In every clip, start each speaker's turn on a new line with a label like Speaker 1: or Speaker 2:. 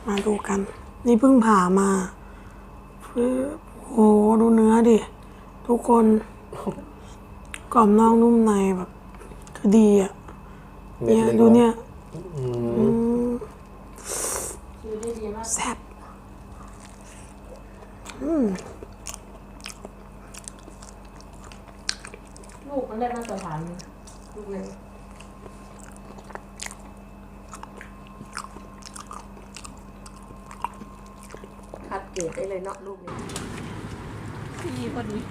Speaker 1: มาดูกัน นี่เพิ่งผ่ามาโอ้โหดูเนื้อดิทุกคนกรอบนอกนุ่มในแบบคือดีอ่ะเนี่ยดูเนี่ยแซ่บ
Speaker 2: ลูกมันได้มาตรฐานลูกเลยคัดเกรดได้เลยเนาะลูกนี้พี่พอดี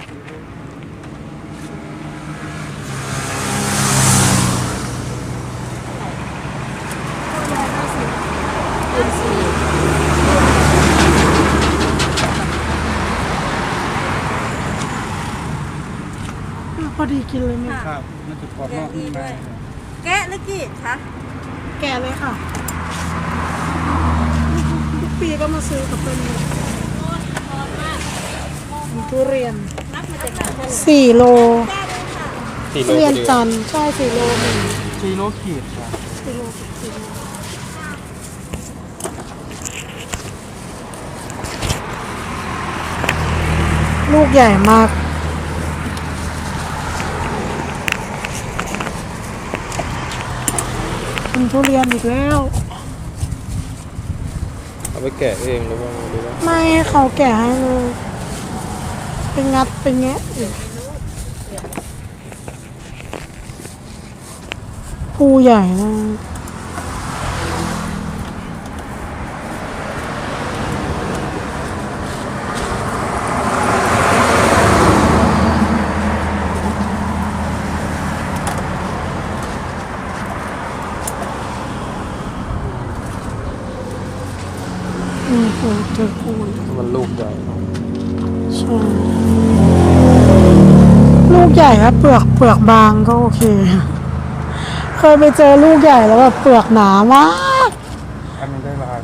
Speaker 1: พอดีกินเลยเนี่ย
Speaker 3: ครับมันจะกรอบนอกนุ่มใน
Speaker 2: แกะหรือกี่คะ
Speaker 1: แก่เลยค่ะทุกปีก็มาซื้อกับเป็นทุเรียน4 โลทุเรียนจันทร์ใช่4 โลหนึ่ง
Speaker 3: 4 โลขีดครับ
Speaker 1: 4 โลกับ4 โลลูกใหญ่มากเป็นทุเรียนอีกแล้ว
Speaker 3: เอาไปแกะเองหรือว่า
Speaker 1: ไม่ให้เขาแกะให้เลยเป็นงัดเป็นแงะอีกภูใหญ่นะเจอปูน
Speaker 3: มันลูกใหญ่
Speaker 1: ใช่ลูกใหญ่ครับเปลือกบางก็โอเคเคยไปเจอลูกใหญ่แล้วแบบเปลือกหนามาก
Speaker 3: อันนี้ได้ลาย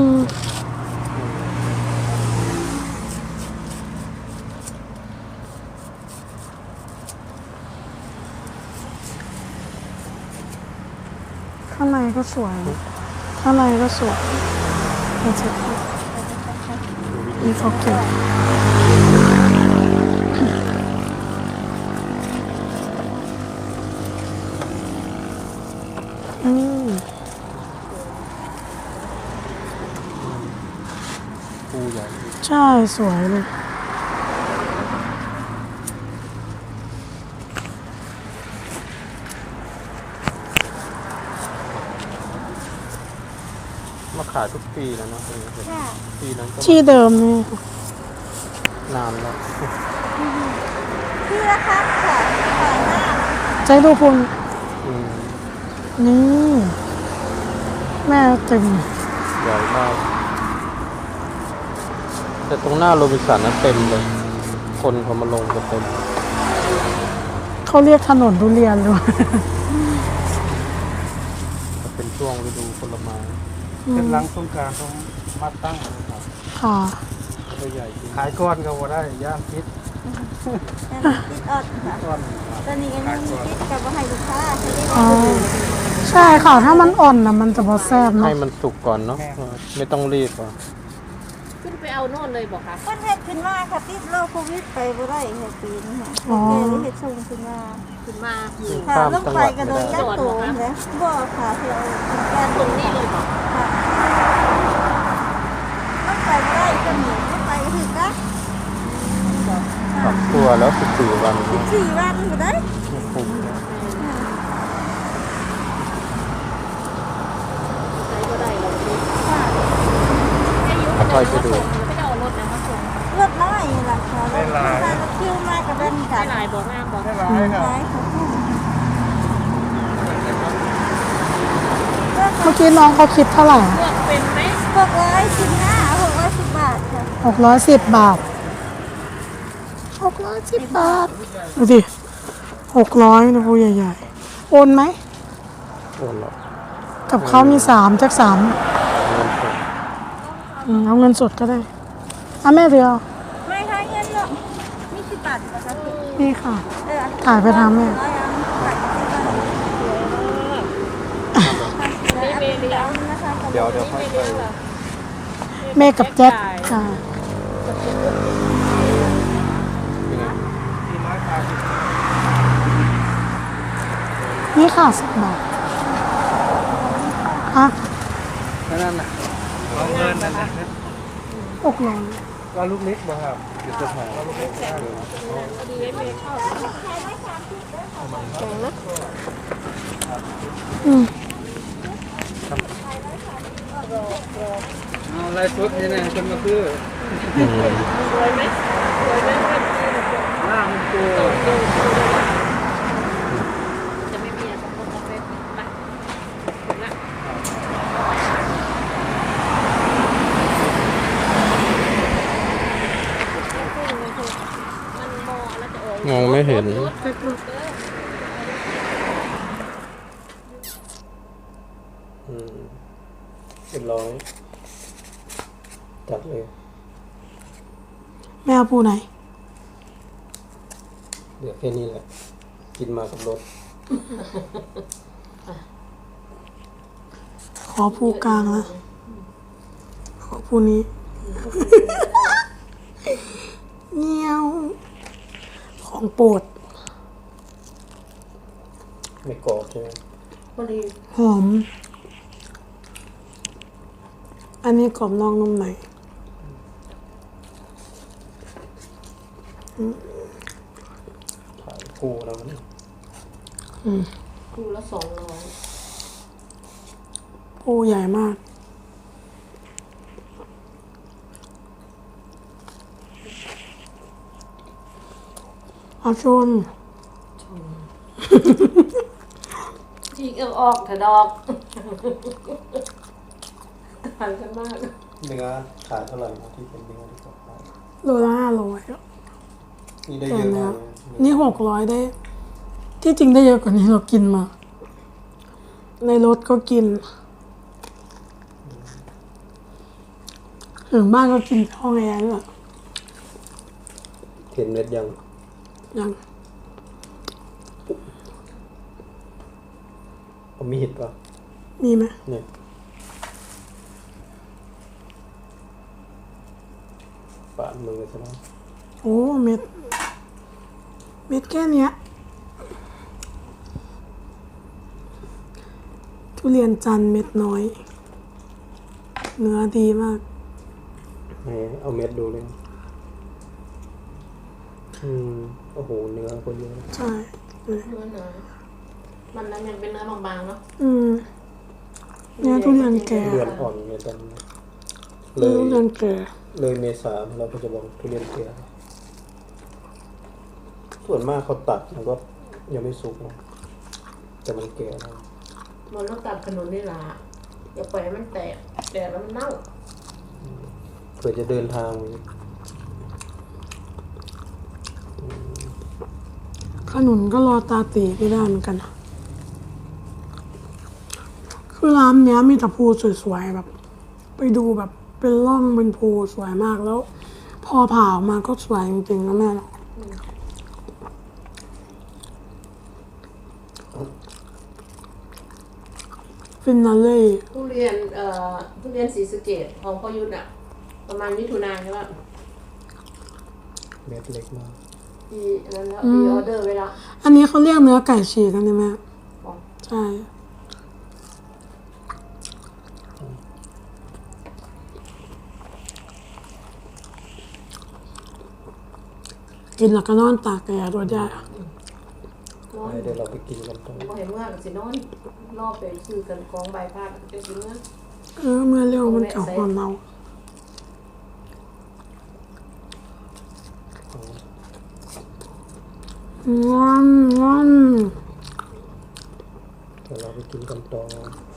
Speaker 1: ข้างในก็สวยข้างในก็สวยนี่เขาเก็บ
Speaker 3: ปูใหญ่
Speaker 1: ใช่สวยเลย
Speaker 3: มาขายทุกปีแล้วเนาะปีนั้นก็
Speaker 1: ที่เดิมนี่
Speaker 3: นานแล้ว
Speaker 2: พี่ละคะขายหน้า
Speaker 1: ใจดูคุณนี่แม่เต็ม
Speaker 3: ใหญ่มากแต่ตรงหน้าโรบินสันนั้นเต็มเลยคนเขามาลงกันเต็ม
Speaker 1: เขาเรียกถนนทุเรียนเลย
Speaker 3: เป็นช่วงฤดูผลไม้เป็นหลังสงกรานต์ต้องมาตั้งนะครับ
Speaker 1: ค่ะ
Speaker 3: ตัวใหญ่จริงขายก้อนก็ว่าได้ย่างพิษ
Speaker 2: ติดอดค่ะ
Speaker 3: ก้อน
Speaker 2: ตอนนี้ก็ยังติดกับว่าให้ลูกค้าใช่ไหม
Speaker 1: อ๋อใช่ค่ะถ้ามันอ่อนนะมันจะพอแซ่บเนาะ
Speaker 3: ให้มันสุกก่อนเนาะไม่ต้องรีบอ่ะ
Speaker 4: ขึ้นไปเอาโน่นเลยบอกค่ะ
Speaker 2: ประเทศขึ้นมาค่ะติดโรคโควิดไปบ่ได้ค่ะปีนี้ค่ะเฮ็ดส่งขึ้นมา
Speaker 4: ขึ้นมาอยู่
Speaker 2: ค่ะลงไปก็โดนยัดตัวนะบ่ค่ะที่เอาการ
Speaker 4: ตรงนี้เลยบอก
Speaker 2: ค่ะลงไปบ่ได้ก็หนีลงไปก็ถึงนะ
Speaker 3: ปรับตัวแล้ว14 วัน
Speaker 2: 4 วันบ่ได้
Speaker 3: คุ้ม
Speaker 4: ใช้ก็ได้เราดู
Speaker 3: ค่อยๆไปดู
Speaker 4: ไม่ได้เอารถนะมาส่ง
Speaker 2: รถน้อยล่ะค่ะรถคิวมากับเป็นกั
Speaker 4: ได้
Speaker 2: น
Speaker 4: ลายบอกงามบอก
Speaker 3: ได้ร้ายครับ
Speaker 2: หลายค่ะ
Speaker 1: เมื่อกี้น้องเขาคิดเท่าไหร่
Speaker 4: เลือกเป็นไหม
Speaker 2: 610 บาทค่ะ
Speaker 1: 610 บาท610 บาทดูสิ600นะพูใหญ่ๆโอนไหม
Speaker 3: โอนหรอก
Speaker 1: กับเขามี3จาก3
Speaker 3: เงินสด
Speaker 1: เอาเงินสดก็ได้อ่ะแม่เดียว
Speaker 2: ไม่ค่ะเงินเนาะมี10 บาทนะคะพี่
Speaker 1: นี่ค่ะ ถ่ายไปทางแม่
Speaker 4: มีเมลียว
Speaker 2: นะคะ
Speaker 3: เดี๋ยวค่อยไป
Speaker 1: แม่กับแจ็คค่ะ นี่ค่ะ10 บาทอ่ะ
Speaker 3: นั่นน่ะลองเงินนั่นนะ
Speaker 1: 600
Speaker 3: ก็ลูกเล็กบ่ครับอยู่ตรงไหนลูกเล็กได้เลยนะ
Speaker 2: แข็งนะ
Speaker 1: อืม
Speaker 3: เอาลายชุดนี่นะจนมาคือ
Speaker 4: สวยไหมสวยไหม
Speaker 3: หน้ามันตัว
Speaker 4: จะไม่มีอะไรสักคนสักเล็กไปถึงละมันมองแล้วจะ
Speaker 3: มองไม่เห็นเป็นร้อยจัดเลย
Speaker 1: แม่เอาปูไหน
Speaker 3: เดี๋ยวแค่นี้แหละ กินมากับรถ
Speaker 1: ขอปูกลางนะขอปูนี้ เงี้ยว ของโปรด
Speaker 3: ไม่กรอบใช่ไหม
Speaker 1: หอม อันนี้กรอบนอกนุ่มใน
Speaker 3: ถ่ายคู่แล้วมัน
Speaker 4: คู่ละ200
Speaker 1: ปูใหญ่มาก เอาชน
Speaker 4: จีกออกเถอะดอกต่างกันมาก
Speaker 3: เนื้อขายเท่าไหร่นะที่เป็นเนื้อที่เขาขาย
Speaker 1: โลละ500
Speaker 3: นี่ได้
Speaker 1: แต่
Speaker 3: เยอะ
Speaker 1: เนื้อ
Speaker 3: มากเลย
Speaker 1: นี่600ได้ ที่จริงได้เยอะกว่านี้เรากินมา ในรถก็กิน ถึงบ้านก็กินที่ห้องแอร์ด้วย
Speaker 3: เห็นเม็ดยัง
Speaker 1: ยัง
Speaker 3: เอามีดป่ะ
Speaker 1: มีไหม
Speaker 3: เนี่ยปาดมือใช่ไหม
Speaker 1: โอ้เม็ด เม็ดแค่เนี้ย ทุเรียนจันทร์เม็ดน้อย เนื้อดีมาก
Speaker 3: เอาเม็ดดูเลย โอ้โห เนื้อก็เยอะ
Speaker 1: ใช่เลย
Speaker 4: เนื้อหนามันนั้นมันเป็นเนื้อบางๆเนาะ
Speaker 1: เนื้อทุเรียนแก่
Speaker 3: เดือนอ่อนเนี่ยตอนนี้เล
Speaker 1: เนื้อย ทุเรียนแก่
Speaker 3: เลยเมษาเราก็จะบอกทุเรียนแก่ส่วนมากเขาตัดมันก็ยังไม่สุกนะแต่มันแก่แล้ว
Speaker 4: มันต้องตัดขนุนนี่ล่ะอย่าปล่อยให้มันแตกแล้วมันเน่า
Speaker 3: เผื่อจะเดินทาง
Speaker 1: ขนุนก็รอตาตีไม่ได้เหมือนกันนะคือร้านเนี้ยมีแต่ภูสวยๆแบบ ไปดูแบบเป็นร่องเป็นภูสวยมากแล้ว พอผ่าออกมาก็สวยจริงๆนะแม่เนาะฟินาเล่
Speaker 4: ทุเรียนศรีสะเกษของพ่อยุทธอ่ะ ประมาณมิถุนายนใช่ป่ะ
Speaker 3: เม็ดเล็กมาก
Speaker 4: มีอันนั้นแล้วมีออเดอร์ไว้แล้ว
Speaker 1: อันนี้เขาเรียกเนื้อไก่ฉีกกันใช่ไหม
Speaker 4: อ๋อ
Speaker 1: ใช่กินแล้วก็นอนตากแดดด้วยได้
Speaker 4: นอน
Speaker 3: เดี๋ยวเราไปกินกันตรง
Speaker 4: บ่เห็นเมื่อกับสินอนรอบไปซื้อกันกองใบพัดจะกินเมื่อ
Speaker 1: เมื่อเร็วมันจะหอนเมาง่อนง่อน
Speaker 3: เดี๋ยวเราไปกินกันต่อ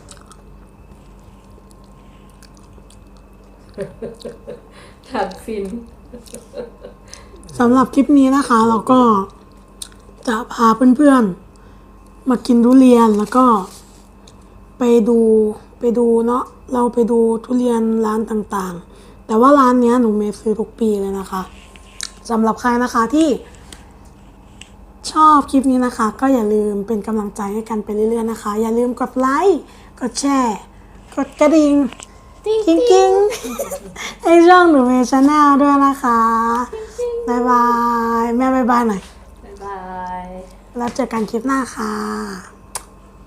Speaker 4: ถัดฟิน
Speaker 1: สำหรับคลิปนี้นะคะ เราก็จะพาเพื่อนๆมากินทุเรียนแล้วก็ไปดูเนาะเราไปดูทุเรียนร้านต่างๆ แต่ว่าร้านเนี้ยหนูเมย์ซื้อทุกปีเลยนะคะสำหรับใครนะคะที่ชอบคลิปนี้นะคะ ก็อย่าลืมเป็นกำลังใจให้กันไปเรื่อยๆนะคะ อย่าลืมกดไลค์กดแชร์กดกระดิ่งกิ้งกิ้งให้ช่องหนูเมย์ชาแนลด้วยนะคะบ๊ายบายแม่บ๊ายบายหน่อย
Speaker 4: บ๊ายบาย
Speaker 1: แล้วเจอกันคลิปหน้าค่ะ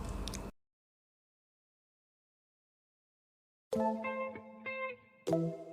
Speaker 2: ๆ